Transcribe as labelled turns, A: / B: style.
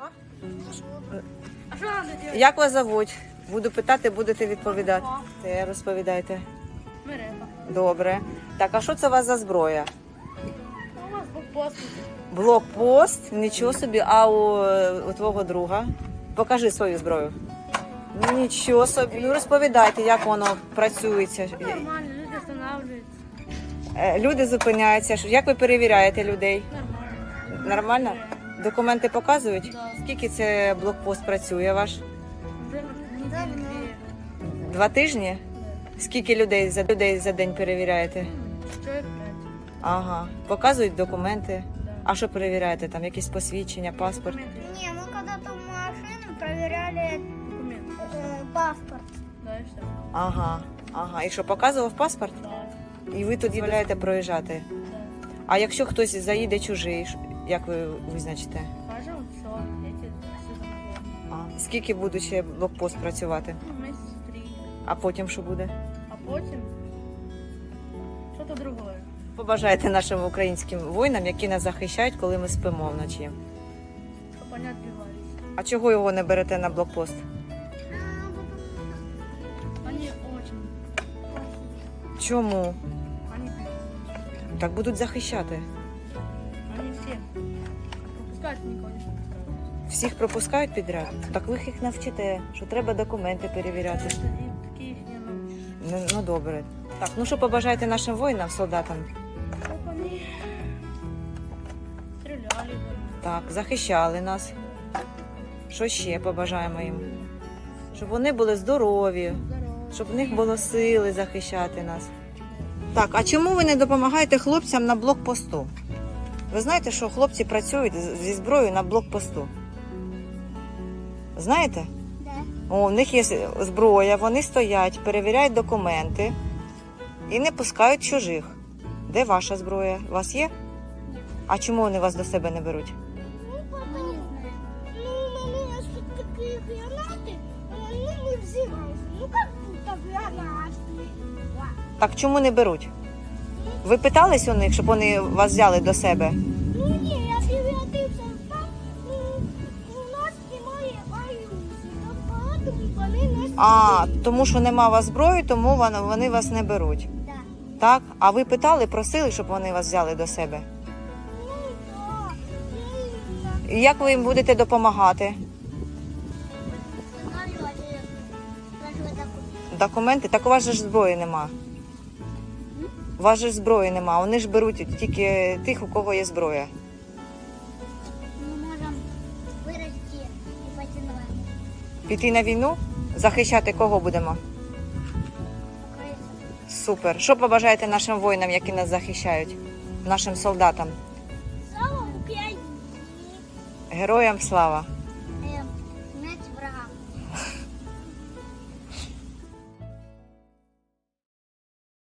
A: А що треба робити?
B: Як вас зовуть? Буду питати, будете відповідати. Розповідайте.
A: Мерепа.
B: Добре. Так, а що це у вас за зброя?
A: У вас блокпост.
B: Блокпост? Нічого собі. А у твого друга? Покажи свою зброю. Нічого собі. Ну розповідайте, як воно працюється.
A: Нормально, люди встановлюються.
B: Люди зупиняються. Як ви перевіряєте людей?
A: Нормально.
B: Нормально? Документи показують?
A: Да.
B: Скільки це блокпост працює ваш?
A: Вже неділі
B: 2 тижні? Скільки людей за день перевіряєте?
A: 4-5.
B: Ага. Показують документи.
A: Да.
B: А що перевіряєте? Там якісь посвідчення, паспорт?
A: Документы.
C: Не, мы когда-то в машину проверяли
A: Документы.
C: паспорт.
A: Да, і все.
B: Ага. Ага. І що, показував паспорт?
A: Да.
B: І ви тут дозволяєте проїжджати?
A: Да.
B: А якщо хтось заїде чужий, як ви визначите?
A: Кажемо, все, я все замовляю.
B: А. Скільки буде ще блокпост працювати?
A: Ну, місяць 3.
B: А потім що буде?
A: А потім що-то другое.
B: Побажайте нашим українським воїнам, які нас захищають, коли ми спимо вночі.
A: Щоб вони відбивались.
B: А чого його не берете на блокпост?
A: Вони очень.
B: Чому?
A: Вони,
B: Так будуть захищати.
A: вони всі. Пропускають нікого не пропускають.
B: Всіх пропускають підряд? Так ви їх навчите, що треба документи перевіряти.
A: Це і такі їх не навчиш.
B: Ну добре. Так, ну що побажаєте нашим воїнам, солдатам?
A: Щоб вони стріляли.
B: Так, захищали нас. Що ще побажаємо їм? Щоб вони були здорові,
A: Здорово.
B: щоб в них було сили захищати нас. Так, а чому ви не допомагаєте хлопцям на блокпосту? Ви знаєте, що хлопці працюють зі зброєю на блокпосту? Знаєте?
C: Да.
B: О, у них є зброя, вони стоять, перевіряють документи і не пускають чужих. Де ваша зброя? У вас є? А чому вони вас до себе не беруть?
C: Ну, папа не знаю. Ну, у нас тут такие гранаты, ну, мы взимаем. Ну, как будто гранаты.
B: Так чому не беруть? Ви питались у них, щоб вони вас взяли до себе?
C: Ну, не, я превратился там, ну, у нас немає аюзі, поэтому вони нас...
B: А, тому що нема у вас зброї, тому вони вас не беруть.
C: Да.
B: Так? А ви питали, просили, щоб вони вас взяли до себе?
C: Ну, да.
B: І як ви їм будете допомагати? Документи? Так у вас же ж зброї нема. У вас же ж зброї нема. Вони ж беруть тільки тих, у кого є зброя.
C: Мы можем вырасти и пойти на войну.
B: Піти на війну? Захищати кого будемо?
C: Украинцев.
B: Супер. Що побажаєте нашим воїнам, які нас захищають? Нашим солдатам?
C: Слава Україні!
B: Героям слава!